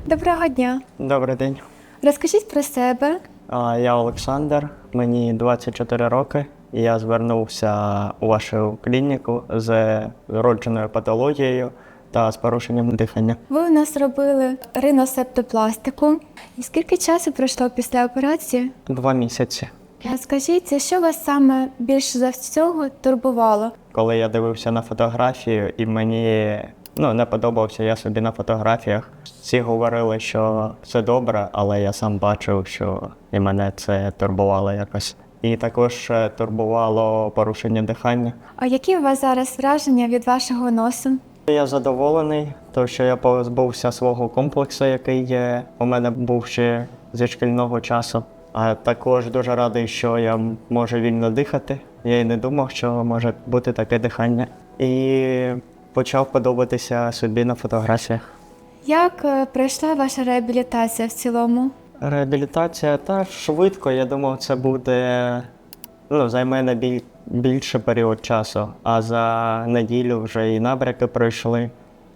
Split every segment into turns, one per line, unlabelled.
Доброго дня.
Добрий день.
Розкажіть про себе.
Я Олександр, мені 24 роки. І я звернувся у вашу клініку з вродженою патологією та з порушенням дихання.
Ви у нас робили риносептопластику. І скільки часу пройшло після операції?
2 місяці.
Скажіть, що вас саме більше за всього турбувало?
Коли я дивився на фотографію і мені не подобався я собі на фотографіях, всі говорили, що все добре, але я сам бачив, що і мене це турбувало якось. І також турбувало порушення дихання.
А які у вас зараз враження від вашого носу?
Я задоволений, тому що я позбувся свого комплексу, який у мене був ще зі шкільного часу. А також дуже радий, що я можу вільно дихати. Я й не думав, що може бути таке дихання. І почав подобатися собі на фотографіях.
Як пройшла ваша реабілітація в цілому?
Реабілітація швидко, я думав, це буде займе не більше період часу. А за неділю вже і набряки пройшли,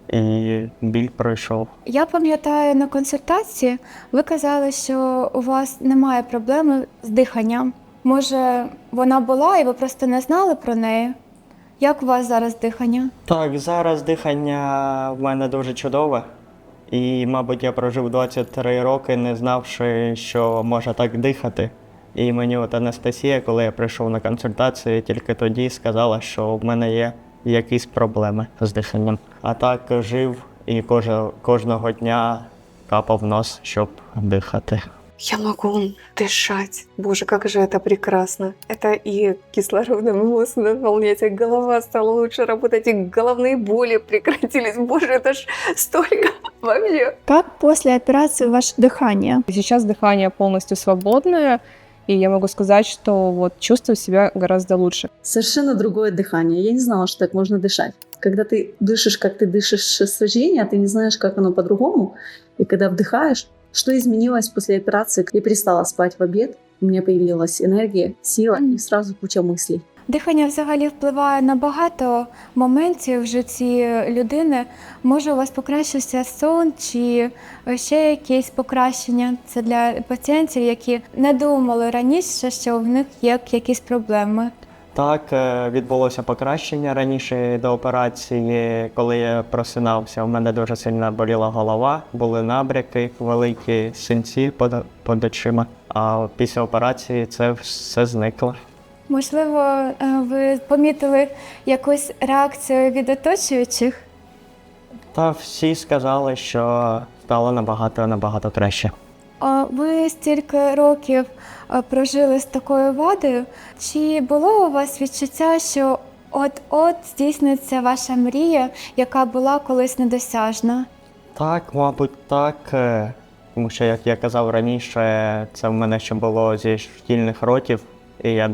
і біль пройшов.
Я пам'ятаю, на консультації ви казали, що у вас немає проблеми з диханням. Може, вона була і ви просто не знали про неї? Як у вас зараз дихання?
Так, зараз дихання в мене дуже чудове. І, мабуть, я прожив 23 роки, не знавши, що можна так дихати. І мені Анастасія, коли я прийшов на консультацію, тільки тоді сказала, що в мене є якісь проблеми з диханням. А так жив і кожного дня капав нос, щоб дихати.
Я могу дышать. Боже, как же это прекрасно. Это и кислородом мозг наполнять, и голова стала лучше работать, и головные боли прекратились. Боже, это ж столько вообще.
Как после операции ваше дыхание?
Сейчас дыхание полностью свободное, и я могу сказать, что чувствую себя гораздо лучше.
Совершенно другое дыхание. Я не знала, что так можно дышать. Когда ты дышишь, как ты дышишь с рождения, ты не знаешь, как оно по-другому. И когда вдыхаешь, что изменилось после операции? Я перестала спать в обед, у меня появилась энергия, сила и сразу куча мыслей.
Дихання взагалі впливає на багато моментів в житті людини. Може, у вас покращився сон чи ще якісь покращення? Це для пацієнтів, які не думали раніше, що в них є якісь проблеми.
Так, відбулося покращення раніше до операції. Коли я просинався, у мене дуже сильно боліла голова, були набряки, великі синці під очима. А після операції це все зникло.
Можливо, ви помітили якусь реакцію від оточуючих?
Та всі сказали, що стало набагато краще.
Ви стільки років прожили з такою вадою. Чи було у вас відчуття, що от-от здійсниться ваша мрія, яка була колись недосяжна?
Так, мабуть, так. Тому що, як я казав раніше, це в мене ще було зі шкільних років, і я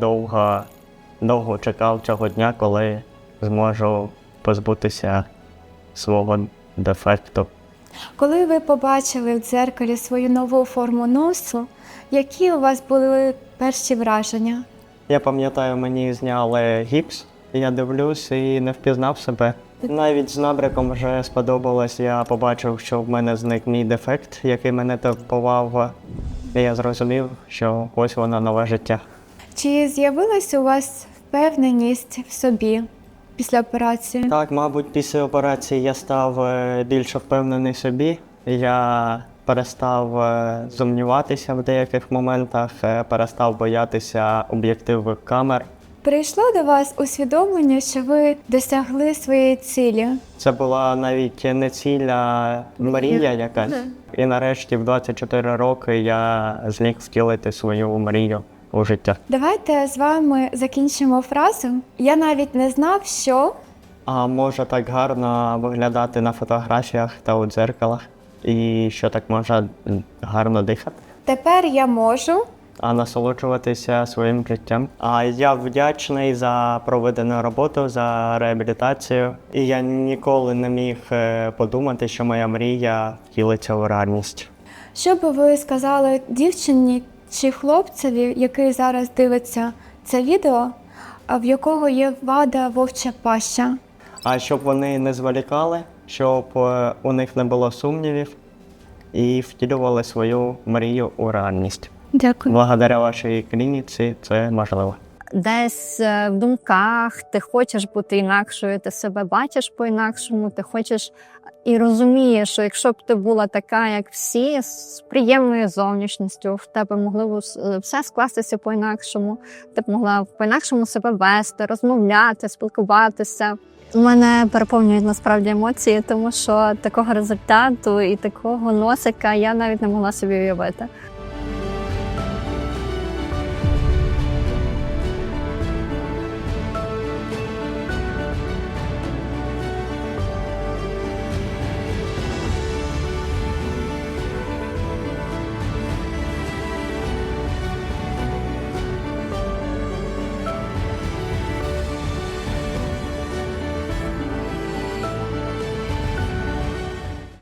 довго чекав цього дня, коли зможу позбутися свого дефекту.
Коли ви побачили в дзеркалі свою нову форму носу, які у вас були перші враження?
Я пам'ятаю, мені зняли гіпс, я дивлюсь і не впізнав себе. Навіть з набряком вже сподобалось, я побачив, що в мене зник мій дефект, який мене турбував. І я зрозумів, що ось воно нове життя.
Чи з'явилась у вас впевненість в собі після операції?
Так, мабуть, після операції я став більш впевнений в собі. Я перестав сумніватися в деяких моментах, перестав боятися об'єктивних камер.
Прийшло до вас усвідомлення, що ви досягли своєї цілі?
Це була навіть не ціль, а мрія якась. І нарешті в 24 роки я зміг втілити свою мрію у життя.
Давайте з вами закінчимо фразу. Я навіть не знав, що...
А може так гарно виглядати на фотографіях та у дзеркалах? І що так можна гарно дихати?
Тепер я можу...
А насолоджуватися своїм життям. А я вдячний за проведену роботу, за реабілітацію. І я ніколи не міг подумати, що моя мрія втілиться у реальність.
Що би ви сказали дівчині чи хлопцеві, який зараз дивиться це відео, в якого є вада вовча паща?
А щоб вони не зволікали, щоб у них не було сумнівів, і втілювали свою мрію у реальність.
Дякую.
Благодаря вашій клініці це можливо.
Десь в думках ти хочеш бути інакшою, ти себе бачиш по-інакшому, ти хочеш і розумієш, що якщо б ти була така, як всі, з приємною зовнішністю, в тебе могло все скластися по-інакшому, ти б могла по-інакшому себе вести, розмовляти, спілкуватися. У мене переповнюють насправді емоції, тому що такого результату і такого носика я навіть не могла собі уявити.